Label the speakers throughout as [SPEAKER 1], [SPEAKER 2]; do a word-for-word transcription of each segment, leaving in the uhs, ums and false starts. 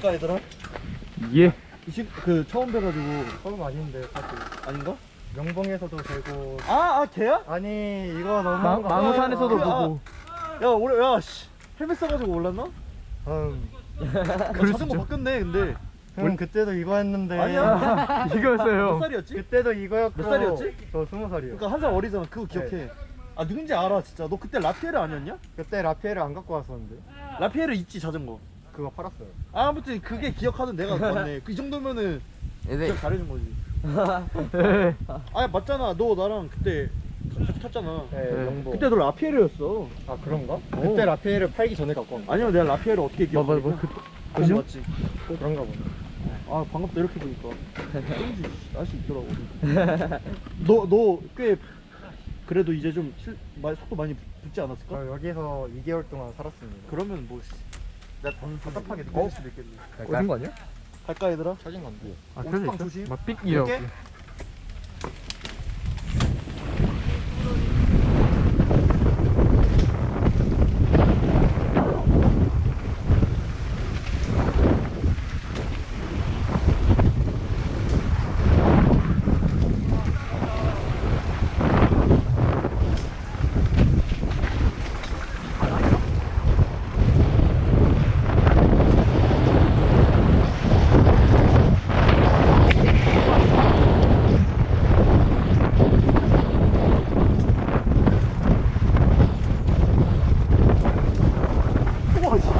[SPEAKER 1] 갈까 얘들아?
[SPEAKER 2] 예.
[SPEAKER 1] 이십 그 처음 뵈가지고.
[SPEAKER 3] 처음 아닌데 사실
[SPEAKER 1] 아닌가?
[SPEAKER 3] 명봉에서도 되고.
[SPEAKER 1] 아, 아 걔야?
[SPEAKER 3] 아니 이거 너무
[SPEAKER 2] 망, 망우산에서도
[SPEAKER 1] 아,
[SPEAKER 2] 보고.
[SPEAKER 1] 야 올해 야씨 헬멧 써가지고 몰랐나?
[SPEAKER 3] 음.
[SPEAKER 1] 나 자전거 바꿨네 근데.
[SPEAKER 3] 형 그때도 이거 했는데.
[SPEAKER 1] 아니야. 몇
[SPEAKER 2] 이거였어요.
[SPEAKER 1] 살이었지?
[SPEAKER 3] 그때도 이거였고.
[SPEAKER 1] 몇 살이었지?
[SPEAKER 3] 저 스무 살이요.
[SPEAKER 1] 그러니까 한 살 어리잖아. 그거 기억해.
[SPEAKER 3] 네.
[SPEAKER 1] 아 누군지 알아 진짜. 너 그때 라피에르 아니었냐?
[SPEAKER 3] 그때 라피에를 안 갖고 왔었는데
[SPEAKER 1] 라피에르 있지 자전거.
[SPEAKER 3] 그거 팔았어요.
[SPEAKER 1] 아, 아무튼 그게 기억하던 내가 맞네. 그 정도면은
[SPEAKER 4] 얘네
[SPEAKER 1] 기억 잘해준 거지.
[SPEAKER 2] 네.
[SPEAKER 1] 아 맞잖아. 너 나랑 그때 같이 탔잖아.
[SPEAKER 3] 네,
[SPEAKER 2] 네.
[SPEAKER 3] 명봉.
[SPEAKER 1] 그때 너 라피에르였어.
[SPEAKER 3] 아 그런가? 그때 라피에를 팔기 전에 갖고 온 거.
[SPEAKER 1] 아니면 내가 라피에르 어떻게
[SPEAKER 2] 뭐,
[SPEAKER 1] 기억해?
[SPEAKER 2] 뭐, 뭐, 그,
[SPEAKER 1] 그지
[SPEAKER 2] 그죠?
[SPEAKER 1] 맞지.
[SPEAKER 3] 그런가 보네.
[SPEAKER 1] 아 반갑다 이렇게 보니까. 왠지 날씨 있더라고. 너 너 꽤 그래도 이제 좀 실, 마- 속도 많이 붙지 않았을까?
[SPEAKER 3] 저 여기서 이 개월 동안 살았습니다.
[SPEAKER 1] 그러면 뭐 씨, 내가 더 답답하게
[SPEAKER 3] 어?
[SPEAKER 1] 느낄 수도 있겠네.
[SPEAKER 2] 어딘 거 아니야?
[SPEAKER 1] 갈까 얘들아?
[SPEAKER 3] 찾은 건데.
[SPEAKER 2] 아,
[SPEAKER 1] 오죽
[SPEAKER 2] 그래서
[SPEAKER 1] 방
[SPEAKER 2] 있어?
[SPEAKER 1] 조심.
[SPEAKER 2] 막 삑이라고.
[SPEAKER 1] 이렇게? 우와 씨.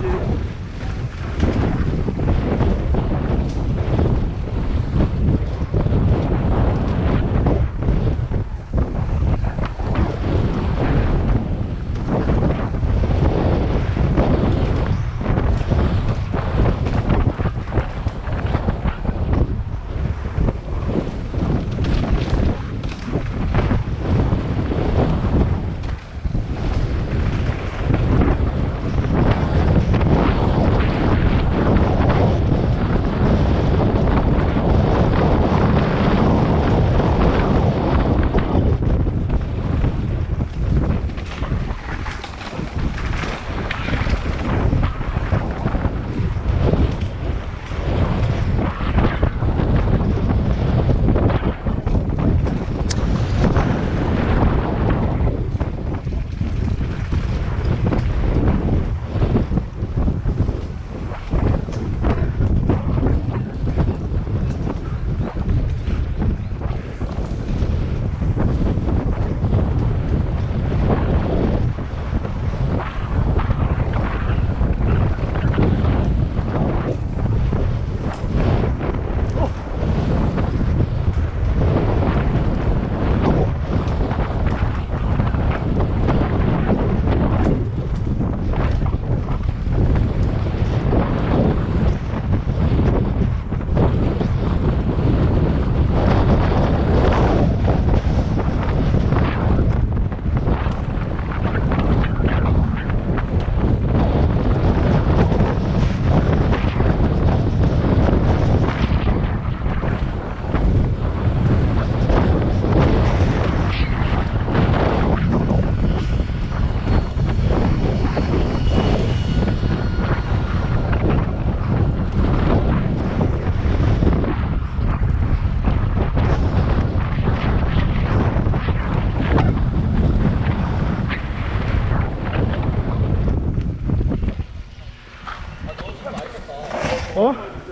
[SPEAKER 2] 어?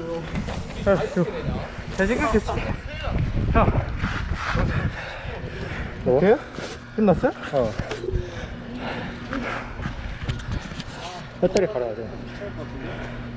[SPEAKER 2] 야, 이거 잘생겼겠지? 야.
[SPEAKER 3] 뭐?
[SPEAKER 2] 어때요? 끝났어요?
[SPEAKER 3] 어. 배터리 갈아야 돼.